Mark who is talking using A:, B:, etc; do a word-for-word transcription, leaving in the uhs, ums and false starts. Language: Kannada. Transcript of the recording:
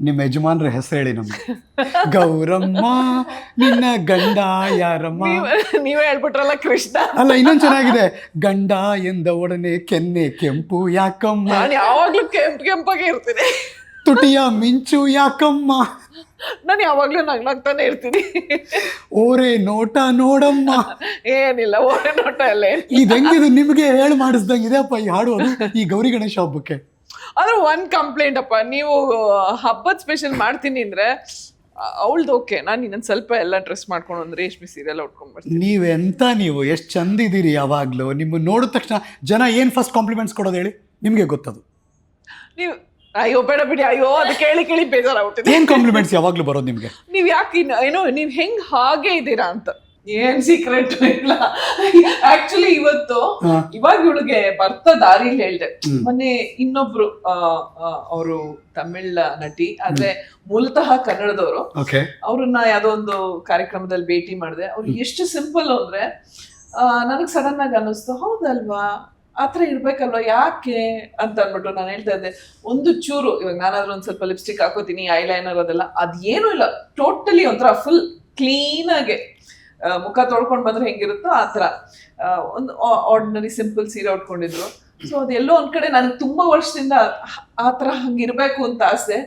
A: ನಿಮ್ಮ ಯಜಮಾನ್ರ ಹೆಸರು ಹೇಳಿ ನಮ್ಗೆ. ಗೌರಮ್ಮ ನಿನ್ನ ಗಂಡ ಯಾರಮ್ಮ.
B: ನೀವ್- ನೀವೇ ಹೇಳ್ಬಿಟ್ರಲ್ಲ ಕೃಷ್ಣ.
A: ಅಲ್ಲ ಇನ್ನೊಂದು ಚೆನ್ನಾಗಿದೆ, ಗಂಡ ಎಂದ ಒಡನೆ ಕೆನ್ನೆ ಕೆಂಪು ಯಾಕಮ್ಮ,
B: ನಾನು ಯಾವಾಗ್ಲೂ ಕೆಂಪ್ ಕೆಂಪಾಗೆ ಇರ್ತೀನಿ.
A: ತುಟಿಯ ಮಿಂಚು ಯಾಕಮ್ಮ,
B: ನಾನು ಯಾವಾಗ್ಲೂ ನಗ್ನಾಗ್ತಾನೆ ಇರ್ತೀನಿ.
A: ಓರೆ ನೋಟ ನೋಡಮ್ಮ.
B: ಏನಿಲ್ಲ, ಓರೆ ನೋಟ ಎಲ್ಲ ಏನ್-
A: ಇದೆಂಗಿದು ನಿಮಗೆ ಹೇಳಿ ಮಾಡಿಸ್ದಂಗಿದೆ ಅಪ್ಪ ಈ ಹಾಡು. ಅದು ಈ ಗೌರಿ ಗಣೇಶ ಹಬ್ಬಕ್ಕೆ.
B: ಆದ್ರೆ ಒಂದ್ ಕಂಪ್ಲೇಂಟ್ ಅಪ್ಪ, ನೀವು ಹಬ್ಬದ ಸ್ಪೆಷಲ್ ಮಾಡ್ತೀನಿ ಅಂದ್ರೆ ಅವಳ್ದು ಓಕೆ, ನಾನು ಇನ್ನೊಂದ್ ಸ್ವಲ್ಪ ಎಲ್ಲ ಡ್ರೆಸ್ ಮಾಡ್ಕೊಂಡು ಒಂದು ರೇಷ್ಮೆ ಸೀರೆಲ್ಲ ಉಟ್ಕೊಂಡ್ ಬರ್ತೀನಿ.
A: ನೀವೆಂತ ನೀವು ಎಷ್ಟು ಚಂದ ಇದೀರಿ ಯಾವಾಗಲೂ. ನಿಮ್ಮ ನೋಡಿದ ತಕ್ಷಣ ಜನ ಏನು ಫಸ್ಟ್ ಕಾಂಪ್ಲಿಮೆಂಟ್ಸ್ ಕೊಡೋದು ಹೇಳಿ, ನಿಮಗೆ ಗೊತ್ತದು.
B: ನೀವು ಅಯ್ಯೋ ಬೇಡ ಬಿಡಿ, ಅಯ್ಯೋ ಅದು ಕೇಳಿ ಕೇಳಿ ಬೇಜಾರಾಗ್ಬಿಟ್ಟಿದೆ.
A: ಏನು ಕಾಂಪ್ಲಿಮೆಂಟ್ಸ್ ಯಾವಾಗಲೂ ಬರೋದು ನಿಮಗೆ?
B: ನೀವ್ ಯಾಕೆ ಇನ್ನು ಏನೋ ನೀವ್ ಹೆಂಗ್ ಹಾಗೆ ಇದ್ದೀರಾ ಅಂತ. ಏನ್ ಸೀಕ್ರೆಟ್ ಇಲ್ಲ ಆಕ್ಚುಲಿ. ಇವತ್ತು
A: ಹಾ.
B: ಇವಾಗ ಇವಳಿಗೆ ಬರ್ತಾ ದಾರಿಲಿ ಹೇಳ್ದೆ, ಮೊನ್ನೆ ಇನ್ನೊಬ್ರು ಅವರು ತಮಿಳ್ ನಟಿ, ಆದ್ರೆ ಮೂಲತಃ ಕನ್ನಡದವರು.
A: ಓಕೆ.
B: ಅವ್ರನ್ನ ಯಾವ್ದೋ ಒಂದು ಕಾರ್ಯಕ್ರಮದಲ್ಲಿ ಭೇಟಿ ಮಾಡಿದೆ. ಅವ್ರು ಎಷ್ಟು ಸಿಂಪಲ್ ಅಂದ್ರೆ ನನಗ್ ಸಡನ್ ಆಗಿ ಅನ್ನಿಸ್ತು, ಹೌದಲ್ವಾ ಆತರ ಇರ್ಬೇಕಲ್ವಾ, ಯಾಕೆ ಅಂತ ಅನ್ಬಿಟ್ಟು ನಾನು ಹೇಳ್ತಾ ಇದ್ದೆ. ಒಂದು ಚೂರು ಇವಾಗ ನಾನಾದ್ರೂ ಒಂದ್ ಸ್ವಲ್ಪ ಲಿಪ್ಸ್ಟಿಕ್ ಹಾಕೋತೀನಿ, ಐ ಲೈನರ್ ಅದೆಲ್ಲ, ಅದೇನು ಇಲ್ಲ, ಟೋಟಲಿ ಒಂಥರ ಫುಲ್ ಕ್ಲೀನ್ ಆಗಿ ಮುಖ ತೊಳ್ಕೊಂಡ್ ಬಂದ್ರೆ ಹೆಂಗಿರುತ್ತೋ ಆತರ ಒಂದು ಆರ್ಡಿನರಿ ಸಿಂಪಲ್ ಸೀರೆ ಉಟ್ಕೊಂಡಿದ್ರು. ಸೊ ಅದೆಲ್ಲೋ ಒಂದ್ ಕಡೆ ನನಗೆ ತುಂಬಾ ವರ್ಷದಿಂದ ಆತರ ಹಂಗಿರ್ಬೇಕು ಅಂತ ಆಸೆ.